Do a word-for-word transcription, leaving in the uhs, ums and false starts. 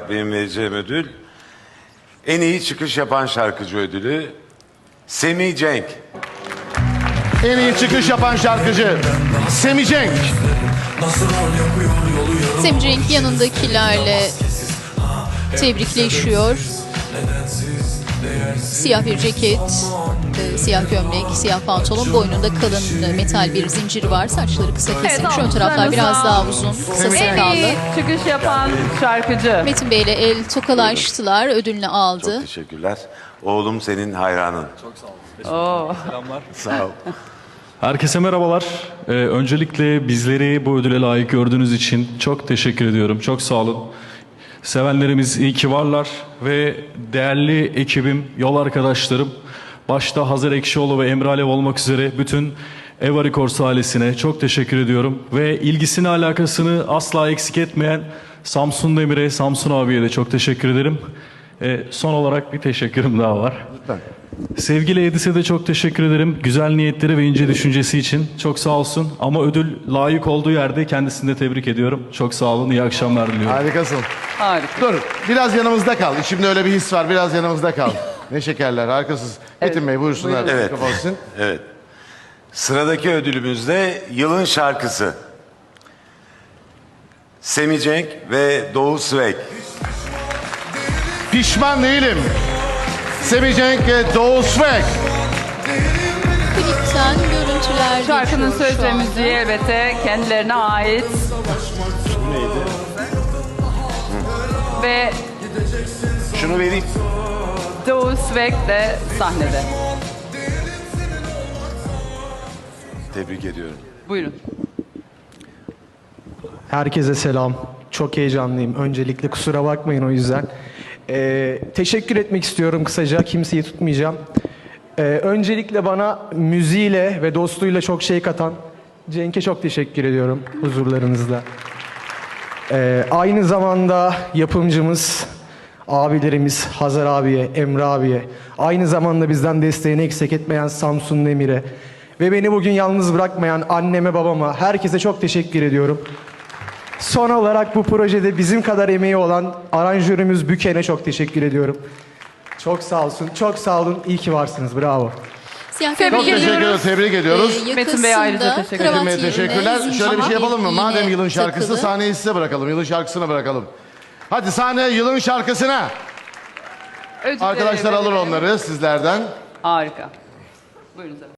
olarak benim vereceğim ödül en iyi çıkış yapan şarkıcı ödülü Semih Cenk. En iyi çıkış yapan şarkıcı Semih Cenk. Semih Cenk yanındakilerle tebrikleşiyor. Siyah bir ceket, e, siyah gömlek, siyah pantolon, boynunda kalın e, metal bir zincir var. Saçları kısa kesilmiş. Ön taraflar biraz daha uzun, kısa En sakallı. iyi çıkış yapan şarkıcı. Metin Bey ile el tokalaştılar, ödülünü aldı. Çok teşekkürler. Oğlum senin hayranın. Oo. Sağ ol. Herkese merhabalar. Ee, öncelikle bizleri bu ödüle layık gördüğünüz için çok teşekkür ediyorum. Çok sağ olun. Sevenlerimiz iyi ki varlar ve değerli ekibim, yol arkadaşlarım, başta Hazar Ekşioğlu ve Emre Alev olmak üzere bütün Eva Records ailesine çok teşekkür ediyorum. Ve ilgisini, alakasını asla eksik etmeyen Samsun Demir'e, Samsun abiye de çok teşekkür ederim. Ee, son olarak bir teşekkürüm daha var. Lütfen. Sevgili Edis'e de çok teşekkür ederim. Güzel niyetleri ve ince düşüncesi için. Çok sağ olsun. Ama ödül layık olduğu yerde kendisini de tebrik ediyorum. Çok sağ olun. İyi akşamlar diliyorum. Harikasın. Harika. Dur biraz yanımızda kal. İçimde öyle bir his var. Biraz yanımızda kal. Ne şekerler, harikasınız. Metin Bey buyursunlar. Evet. Mikrofon sizin. Evet. Sıradaki ödülümüz de yılın şarkısı. Semih Cenk ve Doğu Svek. Pişman değilim. Semih Cenk ve Doğu Svek. Klipten görüntüler Şarkının geçiyor söz şu ve anda. müziği elbette kendilerine ait. Ve Şunu vereyim. Doğu Svek de sahnede. Tebrik ediyorum. Buyurun. Herkese selam. Çok heyecanlıyım. Öncelikle kusura bakmayın o yüzden. Ee, teşekkür etmek istiyorum kısaca. Kimseyi tutmayacağım. Ee, öncelikle bana müziğiyle ve dostluğuyla çok şey katan Cenk'e çok teşekkür ediyorum huzurlarınızda. Ee, aynı zamanda yapımcımız, abilerimiz Hazar abiye, Emre abiye, aynı zamanda bizden desteğini eksik etmeyen Samsun Demir'e ve beni bugün yalnız bırakmayan anneme, babama, herkese çok teşekkür ediyorum. Son olarak bu projede bizim kadar emeği olan aranjörümüz Büken'e çok teşekkür ediyorum. Çok sağ olsun, çok sağ olun. İyi ki varsınız. Bravo. Siyah Tebrik Çok gömlek, teşekkür ediyoruz. ediyoruz. Tebrik ediyoruz. e, Metin Bey ayrıca yakasında teşekkür kravat Metin Bey yerine teşekkürler. zincir Şöyle bir şey yapalım mı? iğne Madem yılın şarkısı takılı. sahneyi size bırakalım. Yılın şarkısına bırakalım. Hadi sahneye yılın şarkısına. Ödülleri Arkadaşlar alır verelim. onları sizlerden. Harika. Buyurun.